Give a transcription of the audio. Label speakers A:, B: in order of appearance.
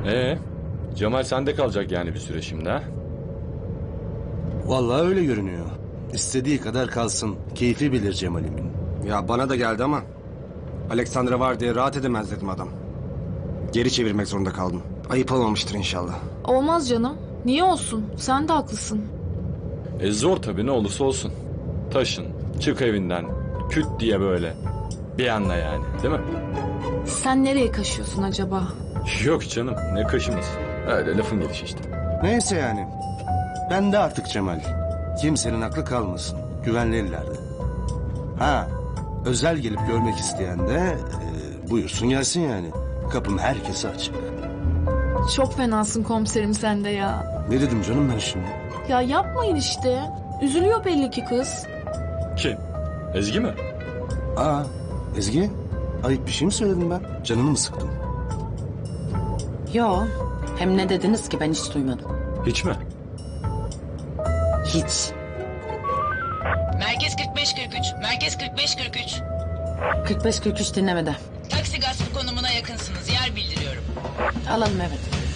A: Cemal sende kalacak yani bir süre şimdi ha?
B: Vallahi öyle görünüyor. İstediği kadar kalsın. Keyfi bilir Cemal'imin.
C: Ya bana da geldi ama Alexandra var diye rahat edemez dedim adam. Geri çevirmek zorunda kaldım. Ayıp olmamıştır inşallah.
D: Olmaz canım. Niye olsun? Sen de haklısın.
A: Zor tabii ne olursa olsun. Taşın, çık evinden, küt diye böyle. Bir anda yani değil mi?
D: Sen nereye kaşıyorsun acaba?
A: Yok canım ne kaşımız. Öyle lafın gelişi işte.
B: Neyse yani. Ben de artık Cemal. Kimsenin aklı kalmasın. Güvenli ellerde. Ha, özel gelip görmek isteyen de buyursun gelsin yani. Kapım herkese açık.
D: Çok fenasın komiserim sen de ya.
B: Ne dedim canım ben şimdi?
D: Ya yapmayın işte. Üzülüyor belli ki kız.
A: Kim? Ezgi mi?
B: Aa, Ezgi, ayıp bir şey mi söyledim ben? Canını mı sıktım?
E: Yo. Hem ne dediniz ki ben hiç duymadım.
A: Hiç mi?
E: Hiç.
F: Merkez 45-43. Merkez 45-43.
E: 45-43 dinlemede.
F: Taksi gaspı konumuna yakınsınız. Yer bildiriyorum.
E: Alalım evet.